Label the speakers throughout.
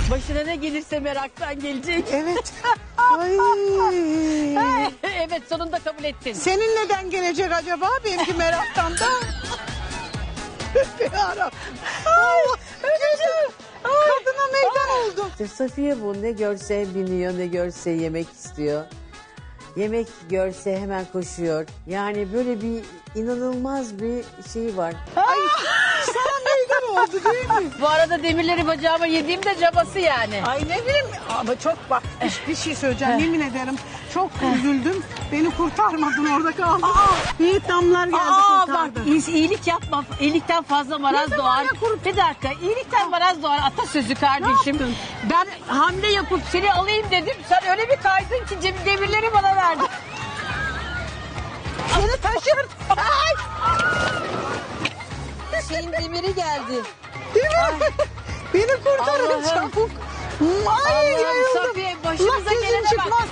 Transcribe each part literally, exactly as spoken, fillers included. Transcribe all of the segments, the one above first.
Speaker 1: Başına ne gelirse meraktan gelecek.
Speaker 2: Evet. Ay.
Speaker 1: Evet, sonunda kabul ettin.
Speaker 2: Senin neden gelecek acaba? Benimki meraktan da. Allah. Kadına meydan oldu.
Speaker 3: İşte Safiye bu, ne görse biniyor, ne görse yemek istiyor. Yemek görse hemen koşuyor. Yani böyle bir inanılmaz bir şey var.
Speaker 2: Ay sana meydan oldu değil mi?
Speaker 1: Bu arada demirleri bacağıma yediğimde cabası yani.
Speaker 2: Ay ne bileyim ama çok bak bir, bir şey söyleyeceğim yemin ederim. Çok üzüldüm. Beni kurtarmadın orada kaldım. Vietnamlar geldi
Speaker 1: Aa
Speaker 2: kurtardı.
Speaker 1: bak, iyi- iyilik yapma. İyilikten fazla maraz
Speaker 2: Ne
Speaker 1: doğar.
Speaker 2: zaman ya kur-
Speaker 1: Bir dakika, iyilikten maraz doğar atasözü kardeşim.
Speaker 2: yaptın?
Speaker 1: Ben hamle yapıp seni alayım dedim. Sen öyle bir kaydın ki cem- demirleri bana verdin.
Speaker 2: Seni taşır. Ay.
Speaker 1: Şeyin demiri geldi.
Speaker 2: Değil mi? Beni kurtarın
Speaker 1: Allah'ım.
Speaker 2: çabuk. Ay
Speaker 1: Allah'ım
Speaker 2: yayıldım.
Speaker 1: Safiye, başımıza
Speaker 2: Allah gözüm
Speaker 1: gelene bak.
Speaker 2: çıkmaz.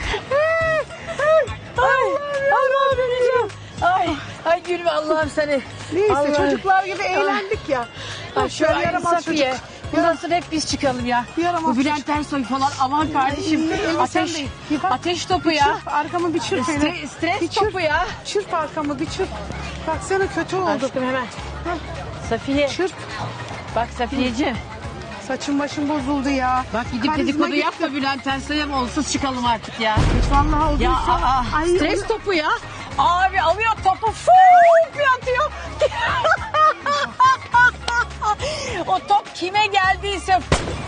Speaker 1: Ay, Allah'ım öleceğim. Ay, ay gülme Allah'ım seni.
Speaker 2: Neyse
Speaker 1: Allah'ım.
Speaker 2: çocuklar gibi eğlendik ya.
Speaker 1: Ay
Speaker 2: Boş
Speaker 1: şu
Speaker 2: ver,
Speaker 1: ay
Speaker 2: yaramaz
Speaker 1: Safiye.
Speaker 2: çocuk.
Speaker 1: Bundan sonra hep biz çıkalım ya.
Speaker 2: Yaramaz
Speaker 1: Bu Bülent Ersoy falan aman kardeşim.
Speaker 2: Ay, elbisen
Speaker 1: Ateş,
Speaker 2: değil. Bir bak.
Speaker 1: ateş topu ya.
Speaker 2: Çırp arkamı bir çırp hele.
Speaker 1: Stre- stres
Speaker 2: Bir çırp.
Speaker 1: topu ya.
Speaker 2: Çırp arkamı bir çırp. Baksana kötü oldu.
Speaker 1: Aşkım hemen. Safiye.
Speaker 2: Çırp.
Speaker 1: Bak Safiyeciğim.
Speaker 2: Saçım başım bozuldu ya.
Speaker 1: Bak gidip
Speaker 2: Karizma
Speaker 1: dedikodu
Speaker 2: gitti.
Speaker 1: yapma Bülent Ersoy'a mı onsuz çıkalım artık ya.
Speaker 2: Vallahi oldu.
Speaker 1: Ya
Speaker 2: işte.
Speaker 1: aa,
Speaker 2: Ay,
Speaker 1: stres topu ya. Abi alıyor topu fuuu bir atıyor. O top kime geldiyse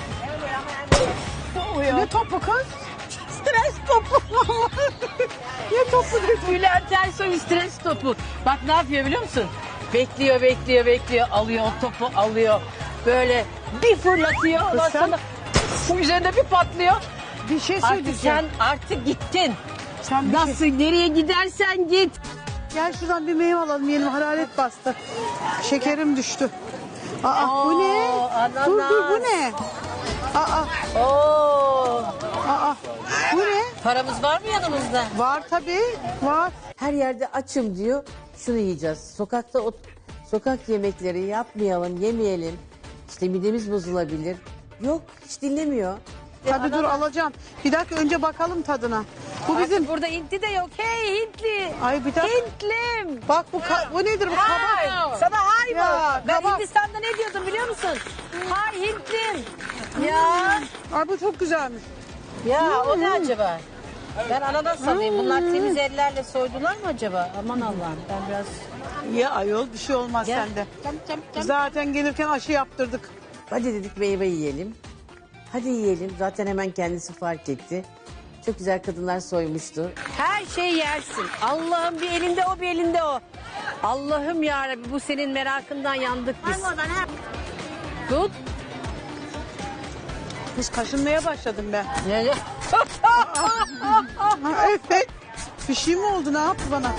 Speaker 2: Ne topu kız?
Speaker 1: stres topu.
Speaker 2: Ne topu dedi?
Speaker 1: Bülent Ersoy stres topu. Bak ne yapıyor biliyor musun? Bekliyor, bekliyor, bekliyor. Alıyor o topu, alıyor. Böyle bir fırlatıyor. Ondan
Speaker 2: sen-
Speaker 1: sonra bu üzerinde bir patlıyor.
Speaker 2: Bir şey
Speaker 1: Artık
Speaker 2: söyleyeceğim.
Speaker 1: sen artık gittin.
Speaker 2: Sen bir
Speaker 1: Nasıl,
Speaker 2: şey...
Speaker 1: nereye gidersen git.
Speaker 2: Gel şuradan bir meyve alalım yiyelim. Hararet bastı. Şekerim düştü. Aa bu ne?
Speaker 1: Oo, ananas.
Speaker 2: Dur dur bu ne? Aa
Speaker 1: Oo.
Speaker 2: aa bu ne?
Speaker 1: Paramız var mı yanımızda?
Speaker 2: Var tabii var.
Speaker 3: Her yerde açım diyor. Şunu yiyeceğiz. Sokakta o sokak yemekleri yapmayalım, yemeyelim. İşte midemiz bozulabilir. Yok, hiç dinlemiyor.
Speaker 2: Tabii dur alacağım. Bir dakika önce bakalım tadına. Bu bizim.
Speaker 1: Bizim burada Hintli de yok. Hey Hintli.
Speaker 2: Ay bir dakika.
Speaker 1: Hintlim.
Speaker 2: Bak bu ka- bu nedir bu
Speaker 1: Hay.
Speaker 2: kabak?
Speaker 1: Sana hay
Speaker 2: Ya,
Speaker 1: mı? Ben
Speaker 2: kabak.
Speaker 1: Hindistan'da ne diyordum biliyor musun? Hay Hintlim. Ya.
Speaker 2: Ay bu çok güzelmiş.
Speaker 1: Ya o ne acaba? Ben ananas alayım. Bunlar temiz ellerle soydular mı acaba? Aman Allah'ım ben biraz...
Speaker 2: Ya ayol bir şey olmaz
Speaker 1: Gel.
Speaker 2: sende.
Speaker 1: Cam, cam, cam.
Speaker 2: Zaten gelirken aşı yaptırdık.
Speaker 3: Hadi dedik meyve yiyelim. Hadi yiyelim. Zaten hemen kendisi fark etti. Çok güzel kadınlar soymuştu.
Speaker 1: Her şey yersin. Allah'ım bir elinde o bir elinde o. Allah'ım yarabbim bu senin merakından yandık biz. Tut.
Speaker 2: Kız kaşınmaya başladım ben.
Speaker 1: Ne?
Speaker 2: Ha, evet. Bir şey mi oldu ne yaptı bana?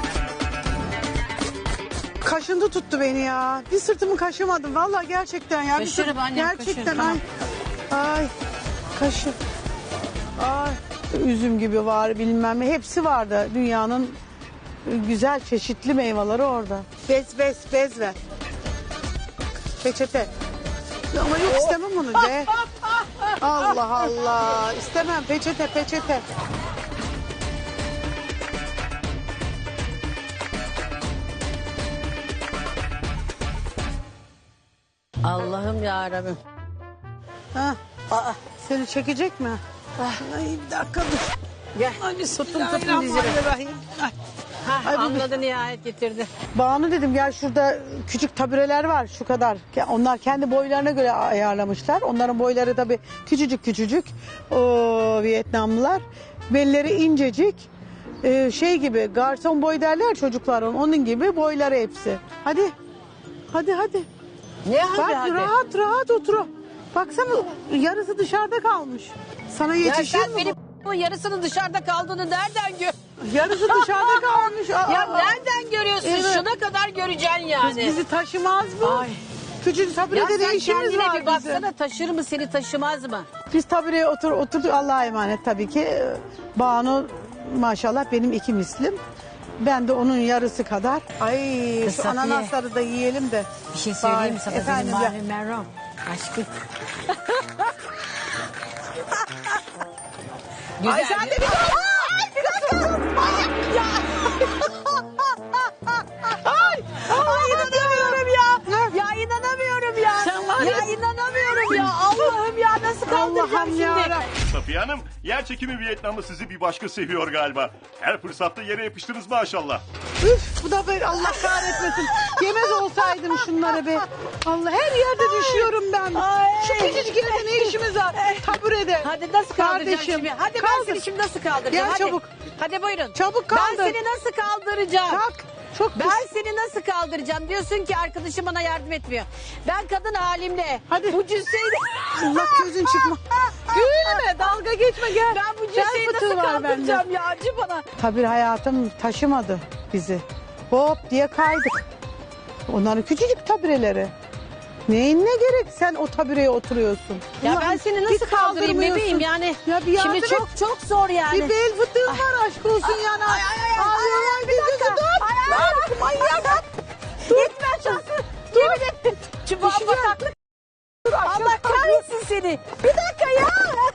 Speaker 2: Kaşındı tuttu beni ya. Bir sırtımı kaşımadım vallahi gerçekten ya. Bir
Speaker 1: Kaşırım
Speaker 2: sırt-
Speaker 1: annem,
Speaker 2: Gerçekten
Speaker 1: kaşırım,
Speaker 2: ay. Ay. Kaşı. Ay. Üzüm gibi var bilmem ne. Hepsi vardı dünyanın güzel çeşitli meyveleri orada. Bez bez bez ver. Peçete. Ama yok istemem onu be. Allah Allah. İstemem peçete peçete.
Speaker 1: Allah'ım yarabbim.
Speaker 2: Ha. Aa, seni çekecek mi? Ay bir dakika dur.
Speaker 1: Gel.
Speaker 2: Hadi
Speaker 1: Tuttum tuttum dizini.
Speaker 2: Bismillahirrahmanirrahim. Ay.
Speaker 1: Ha,
Speaker 2: Ay, bu-
Speaker 1: anladı nihayet getirdi.
Speaker 2: Banu dedim gel şurada küçük tabureler var şu kadar. Ke- Onlar kendi boylarına göre ayarlamışlar. Onların boyları tabii küçücük küçücük. O Vietnamlılar. Belleri incecik. Ee, şey gibi garson boy derler çocukların. Onun gibi boyları hepsi. Hadi. Hadi hadi.
Speaker 1: Ne hadi
Speaker 2: Bak
Speaker 1: hadi.
Speaker 2: rahat rahat otur. Baksana yarısı dışarıda kalmış. Sana
Speaker 1: Ya
Speaker 2: yetişir
Speaker 1: sen
Speaker 2: mi
Speaker 1: benim bu yarısının dışarıda kaldığını nereden gör?
Speaker 2: bu? Yarısı dışarıda kalmış. Aa,
Speaker 1: Ya nereden görüyorsun?
Speaker 2: Evet.
Speaker 1: Şuna kadar göreceksin yani.
Speaker 2: Biz- bizi taşımaz mı?
Speaker 1: Ay.
Speaker 2: Küçücük
Speaker 1: Ya
Speaker 2: taburede
Speaker 1: sen
Speaker 2: ne işimiz
Speaker 1: kendine
Speaker 2: var
Speaker 1: bir
Speaker 2: bizim?
Speaker 1: baksana, taşır mı seni taşımaz mı?
Speaker 2: Biz tabureye otur, oturduk Allah'a emanet tabii ki. Ee, Banu maşallah benim iki mislim. Ben de onun yarısı kadar. Ay
Speaker 1: Kız
Speaker 2: şu
Speaker 1: Safiye.
Speaker 2: ananasları da yiyelim de.
Speaker 1: Bir şey söyleyeyim mi
Speaker 2: Bari,
Speaker 1: sana?
Speaker 2: efendim
Speaker 1: Benim
Speaker 2: ya.
Speaker 1: Marilyn Monroe. Aşkım. Güzel.
Speaker 2: Ay sen de bir daha. Ay bir dakika. Manyak ya. Ay,
Speaker 3: Ay inanamıyorum ya. Ya inanamıyorum ya.
Speaker 1: Sen var
Speaker 3: ya
Speaker 1: ya-
Speaker 3: inanamıyorum ya. Allah'ım ya nasıl kaldıracağım
Speaker 2: Allah'ım
Speaker 3: şimdi?
Speaker 2: ya.
Speaker 4: Safiye Hanım, yer çekimi Vietnam'ı sizi bir başka seviyor galiba. Her fırsatta yere yapıştınız maşallah.
Speaker 2: Üf bu da böyle Allah kahretmesin. Yemez olsaydım şunları be. Allah her yerde düşüyorum ben.
Speaker 3: Ay.
Speaker 2: Şu küçücük yerde ne işimiz var? Taburede.
Speaker 3: Hadi nasıl kaldıracağım
Speaker 2: Kardeşim,
Speaker 3: şimdi? Hadi ben
Speaker 2: kaldır.
Speaker 3: seni şimdi nasıl kaldıracağım?
Speaker 2: Gel
Speaker 3: Hadi.
Speaker 2: çabuk.
Speaker 3: Hadi buyurun.
Speaker 2: Çabuk kaldır.
Speaker 3: Ben seni nasıl kaldıracağım?
Speaker 2: Kalk. Çok pis.
Speaker 3: Ben seni nasıl kaldıracağım? Diyorsun ki arkadaşım bana yardım etmiyor. Ben kadın halimle
Speaker 2: Hadi.
Speaker 3: bu cüsseyi
Speaker 2: Allah gözün çıkma. Gülme dalga geçme gel.
Speaker 3: ben bu
Speaker 2: Gel
Speaker 3: cüsseyi
Speaker 2: fıtığı
Speaker 3: nasıl
Speaker 2: var bende.
Speaker 3: kaldıracağım ya? Acı bana.
Speaker 2: Tabii hayatım taşımadı bizi. Hop diye kaydık. Onların küçücük tabureleri. Neyin ne gerek sen o tabureye oturuyorsun.
Speaker 3: Ya
Speaker 2: Ulan
Speaker 3: ben seni
Speaker 2: hiç
Speaker 3: nasıl kaldırayım
Speaker 2: kaldırmıyorsun.
Speaker 3: bebeğim yani?
Speaker 2: Ya bir yardım
Speaker 3: Şimdi
Speaker 2: et.
Speaker 3: çok çok zor yani.
Speaker 2: Bir bel fıtığın var aşk olsun yani.
Speaker 3: Ay ay ay.
Speaker 2: Ay,
Speaker 3: ay,
Speaker 2: ay,
Speaker 3: ay,
Speaker 2: bir dakika.
Speaker 3: Dur. Ay ay ay. Manyak. Gitme şansı. Yemin ettim. Çubuğa
Speaker 2: Düşeceğim.
Speaker 3: bataklık. Allah kahretsin seni. Bir dakika ya.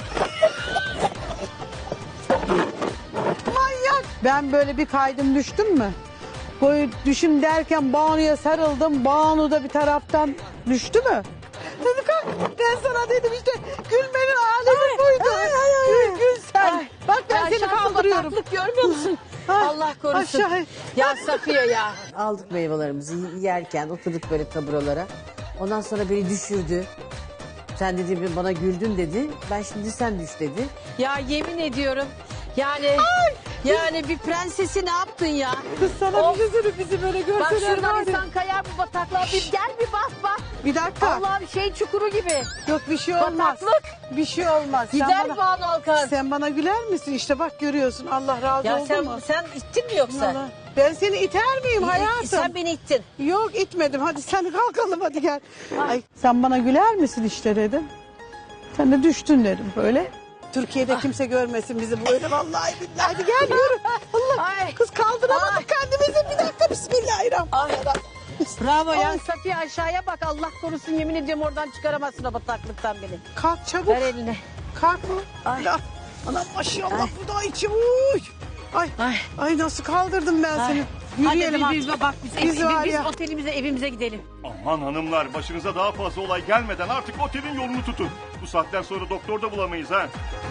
Speaker 2: Manyak. Ben böyle bir kaydım düştüm mü? Böyle düşüm derken Banu'ya sarıldım. Banu da bir taraftan düştü mü? Dedi kalk. Ben sana dedim işte gülmenin alemi buydu. Gül gül sen.
Speaker 3: Ay.
Speaker 2: Bak ben
Speaker 3: Ya
Speaker 2: seni
Speaker 3: şansı
Speaker 2: kaldırıyorum.
Speaker 3: bataklık görmüyor musun?
Speaker 2: Ay,
Speaker 3: Allah korusun.
Speaker 2: aşağı.
Speaker 3: Ya Safiye ya. Aldık meyvelerimizi yerken oturduk böyle taburalara. Ondan sonra beni düşürdü. Sen dedi bana güldün dedi. Ben şimdi sen düş dedi. Ya yemin ediyorum. Yani yani bir prensesi ne yaptın ya?
Speaker 2: Kız sana bir şey söyleyeyim bizi böyle
Speaker 3: Bak
Speaker 2: görseler
Speaker 3: şuradan
Speaker 2: var ya.
Speaker 3: insan kayar bu bataklığa. Bir gel bir bak bak.
Speaker 2: Bir dakika.
Speaker 3: Allah'ım şey çukuru gibi.
Speaker 2: Yok bir şey olmaz.
Speaker 3: Bataklık.
Speaker 2: Bir şey olmaz. Sen
Speaker 3: Gider
Speaker 2: bana-
Speaker 3: Banu Alkan.
Speaker 2: Sen bana güler misin? İşte bak görüyorsun. Allah razı
Speaker 3: Ya
Speaker 2: olsun
Speaker 3: sen,
Speaker 2: mu?
Speaker 3: sen ittin mi yoksa?
Speaker 2: Allah. Ben seni iter miyim hayatım?
Speaker 3: Sen beni ittin.
Speaker 2: Yok itmedim. Hadi sen kalkalım hadi gel. Ay, sen bana güler misin işte dedim. Sen de düştün dedim böyle. Türkiye'de kimse görmesin bizi böyle vallahi billahi. Hadi gel yürü. Allah
Speaker 3: Ay.
Speaker 2: kız kaldıramadık
Speaker 3: Ay.
Speaker 2: kendimizi. Bir dakika bismillahirrahmanirrahim.
Speaker 3: Bravo ya Safiye aşağıya bak Allah korusun yemin ediyorum oradan çıkaramazsın o bataklıktan beni.
Speaker 2: Kalk çabuk.
Speaker 3: Ver eline.
Speaker 2: Kalk mı?
Speaker 3: Ay.
Speaker 2: Ya, anam maşallah bu da içim. Uy. Ay.
Speaker 3: Ay.
Speaker 2: Ay nasıl kaldırdım ben
Speaker 3: Ay.
Speaker 2: seni. Yürüyelim
Speaker 3: Hadi biz,
Speaker 2: artık.
Speaker 3: biz, bak biz,
Speaker 2: Biz
Speaker 3: biz,
Speaker 2: var
Speaker 3: biz
Speaker 2: ya.
Speaker 3: otelimize evimize gidelim.
Speaker 4: Aman hanımlar, başınıza daha fazla olay gelmeden artık otelin yolunu tutun. Bu saatten sonra doktor da bulamayız ha.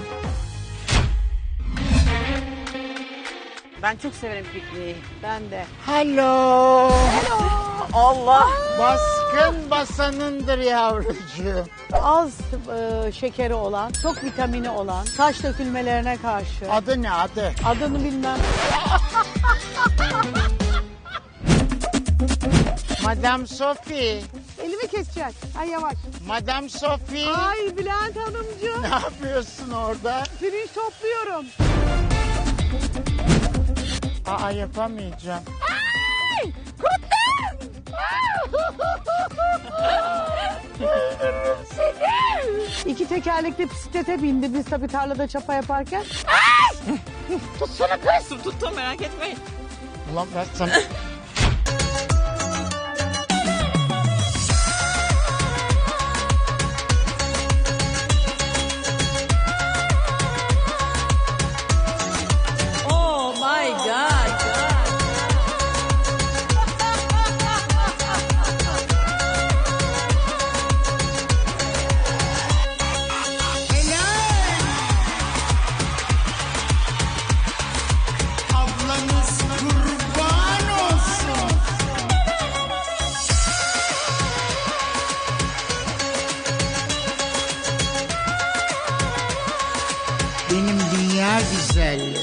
Speaker 3: Ben çok severim pikniği.
Speaker 2: Ben de.
Speaker 5: Hello. Allah baskın basanındır yavrucuğum.
Speaker 2: Az e, şekeri olan, çok vitamini olan, saç dökülmelerine karşı.
Speaker 5: Adı ne adı?
Speaker 2: Adını bilmem.
Speaker 5: Madame Sophie.
Speaker 2: Elimi keseceksin. Ay yavaş.
Speaker 5: Madame Sophie.
Speaker 2: Ay Bülent Hanımcığım.
Speaker 5: Ne yapıyorsun orada?
Speaker 2: Pirinç topluyorum.
Speaker 5: Aa yapamayacağım.
Speaker 2: İki tekerlekli bisiklete bindi biz tabii tarlada çapa yaparken.
Speaker 5: Ulan ben sana...
Speaker 3: Oh my god.
Speaker 5: Ablanız kurban olsun. Benim dünya güzelliği.